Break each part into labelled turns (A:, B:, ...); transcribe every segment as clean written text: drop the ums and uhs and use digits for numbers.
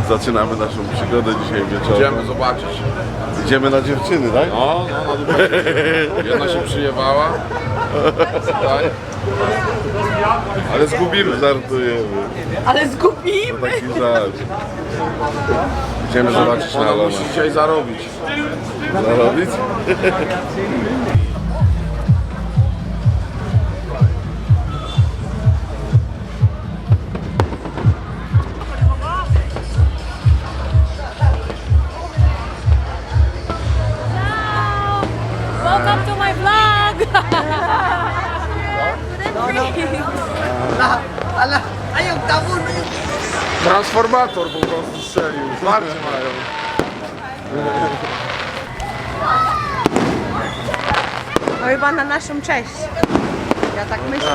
A: Zaczynamy naszą przygodę dzisiaj wieczorem.
B: Idziemy zobaczyć.
A: Idziemy na dziewczyny, tak?
B: No, jedna się przyjewała. Tak. Ale zgubimy.
A: Żartujemy.
C: Ale zgubimy!
A: To taki żart. Idziemy zobaczyć na
B: Ona
A: Alonę.
B: musi dzisiaj zarobić.
A: Zarobić?
C: Welcome to my vlog!
D: Ala, ayaw, tabo na yun.
B: Transformator po prostu strzelił. Zwarcie mają.
C: No chyba na naszą cześć. Ja tak myślę.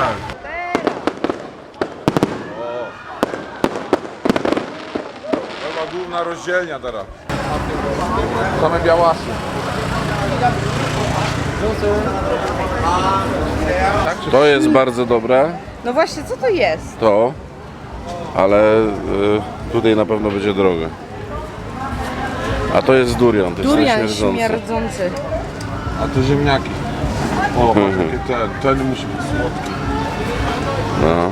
B: To była główna rozdzielnia teraz. Same białasy.
A: To jest bardzo dobre,
C: No właśnie, co to jest?
A: to, ale tutaj na pewno będzie drogie. A to jest durian, to jest
C: Durian
A: śmierdzący.
C: śmierdzący.
B: A te ziemniaki. O, takie ten musi być słodki.
A: No.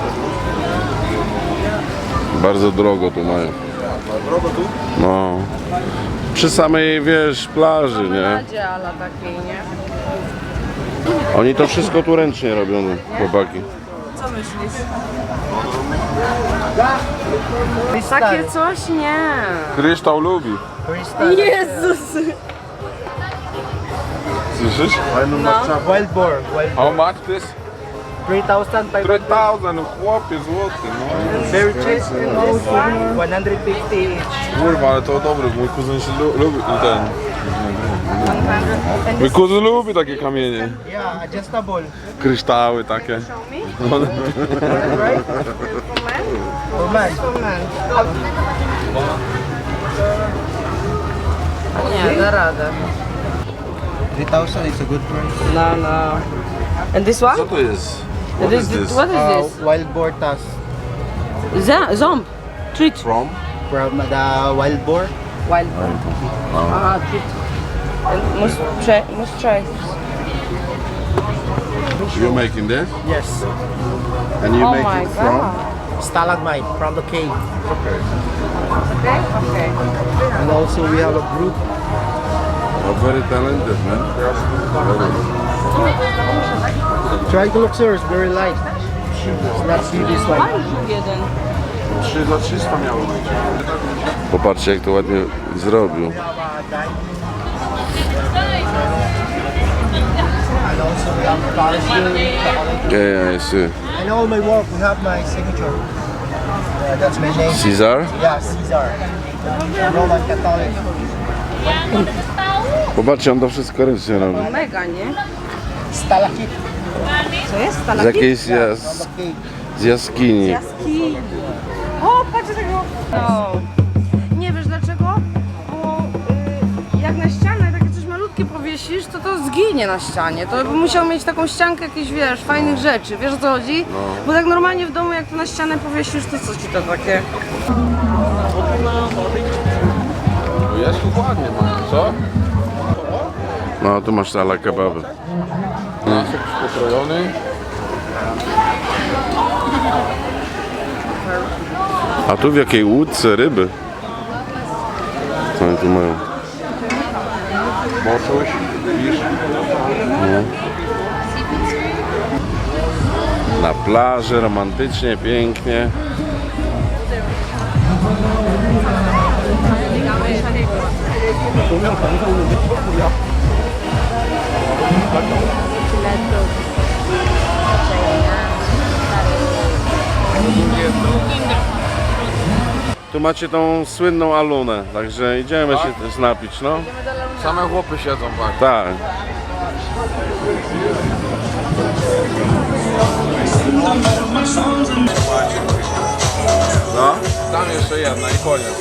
A: Bardzo drogo tu mają.
B: Drogo tu?
A: No. Przy samej, wiesz, plaży, nie?
C: Nadzie ala takiej, nie?
A: Oni to wszystko tu ręcznie robią, chłopaki.
C: Co myślisz? Takie coś? Nie.
B: Kryształ lubi.
C: Jezus!
B: Słyszysz?
D: Wild boar. Wild
B: How much this?
D: 3,500.
B: 3000, no chłopie złoty, no.
D: Very cheap. 150 each.
B: Kurwa, ale to dobre, mój kuzyn się lubi ten. Mój kuzyn lubi takie kamienie.
D: Yeah, adjustable.
A: Kryształy takie.
D: Right? For man.
C: Nie, da radę.
D: 3,000 is a good price.
C: No, no. And this one?
A: Co to jest? What
C: This,
A: is this?
C: what is this?
D: Wild boar tusk
C: Zomb. Treat.
A: From?
D: from the wild boar.
C: Wild. Ah, treat. And must try.
A: You making this?
D: Yes.
A: And you
C: Oh
A: make
C: my
A: it from?
C: god.
D: Stalagmite from the cave.
C: Okay, okay.
D: And also we have a group.
A: Oh, very talented, man.
D: Try to look, sir. It's very light. It's not see this one.
C: Jeden.
B: 3 za 300 miało być.
A: Popatrzcie, jak to ładnie zrobił.
D: And also we have parsley.
A: Yeah, I see.
D: And all my work, we have my signature. That's my name.
A: Caesar?
D: Yeah, Caesar. Roman Catholic.
A: Popatrzcie, on to wszystko ręcznie robi.
C: Mega, nie?
D: Stalakit
C: Co jest?
A: Z
C: Stalakit?
A: jakiejś
D: from the cave.
A: z jaskini.
C: Jaskini. O, patrz tego. No. Nie wiesz dlaczego? Bo jak na ścianę takie coś malutkie powiesisz, to zginie na ścianie. To by musiał mieć taką ściankę jakichś, wiesz, fajnych rzeczy. Wiesz o co chodzi? Bo tak normalnie w domu jak to na ścianę powiesisz, to co ci to takie?
B: Jest tu ładnie, man. Co?
A: No, tu masz ala kebaby.
B: Nasek pokrojony.
A: A tu w jakiej łódce ryby? Co oni tu mają?
B: Boczuś, fisz.
A: Na plaży, romantycznie, pięknie. Tu macie tą słynną alunę, także idziemy się też napić, no.
B: Same chłopy siedzą, patrz.
A: Tak.
B: No, tam jeszcze jedna i koniec.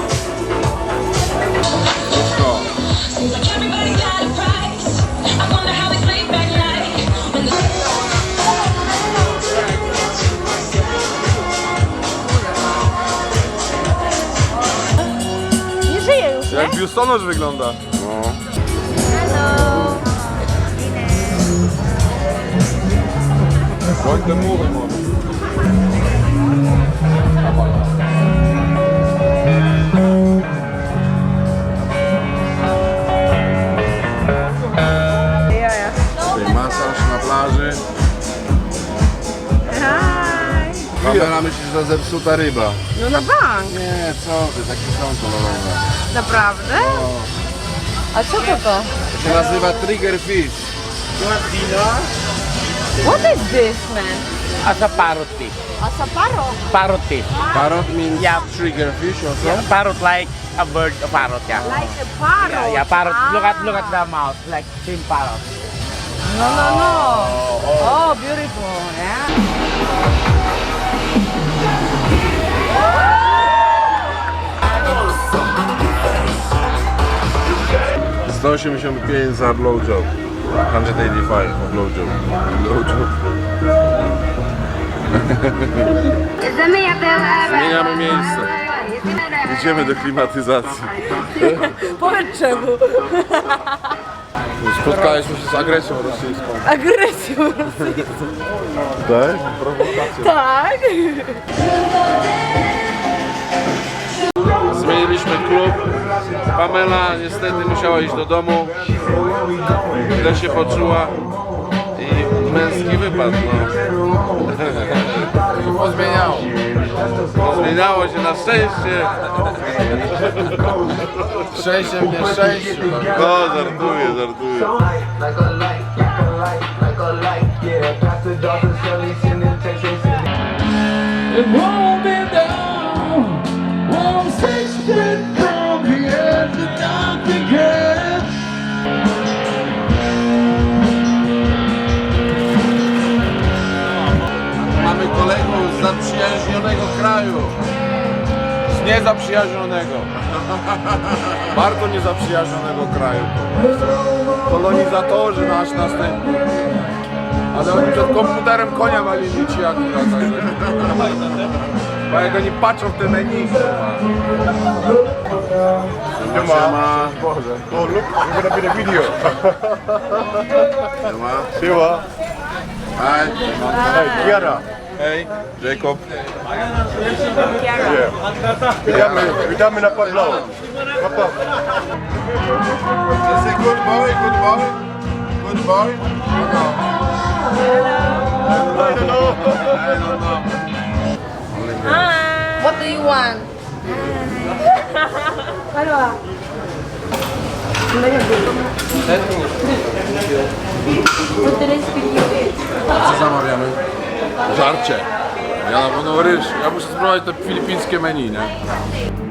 B: Wszystko.
E: Everybody got a price. I wonder how they sleep at night. When the
B: Jak biustonosz wygląda.
A: No.
B: Bądź te muchy może. Tutaj masaż na plaży.
A: Pamela myśli, że to zepsuta ryba.
C: No na bank.
A: Nie, co ty, takie są kolorowe.
C: Naprawdę? A co to?
A: To się nazywa trigger fish.
C: What is this, man?
F: As a parrot fish.
C: Asaparo.
F: Parrot fish.
A: Parrot means
F: Yeah.
A: trigger fish also.
F: Yeah, parrot like a bird, a parrot, yeah.
C: Like a parrot.
F: Yeah, parrot.
C: Ah.
F: Look at the mouth, like same parrot.
C: No, no, no. Oh, beautiful. Yeah.
B: 185 za blowjob. 185 for blowjob. Blowjob. Zmieniamy miejsce. Idziemy do klimatyzacji.
C: Powiedz czemu.
B: Spotkaliśmy się z agresją rosyjską.
C: Agresją rosyjską.
B: Tak?
C: Tak.
A: Zmieniliśmy klub. Pamela niestety musiała iść do domu. Źle się poczuła. I męski wypad, no.
B: Pozmieniało.
A: Zmieniało się na szczęście.
B: Szczęście w nieszczęściu.
A: No, żartuję, żartuję. Mamy kolegów z zaprzyjaźnionego kraju.
B: Z niezaprzyjaźnionego. Bardzo niezaprzyjaźnionego kraju. Kolonizatorzy nasz następni. Ale oni przed komputerem konia walili ci akurat. Bo jak oni patrzą w te menu.
A: Siema.
B: Oh look, we're gonna be the video.
A: Siema.
B: Siema.
A: Hi.
B: Hey, Kiara. Hey, Jacob. Witamy na Pawlowo.
A: Is a good boy, good boy. Good boy. I don't know.
C: What do you want? Halwa.
B: Co zamawiamy? Żarcie. Ja na pewno ryż. Ja muszę spróbować te filipińskie menu, nie?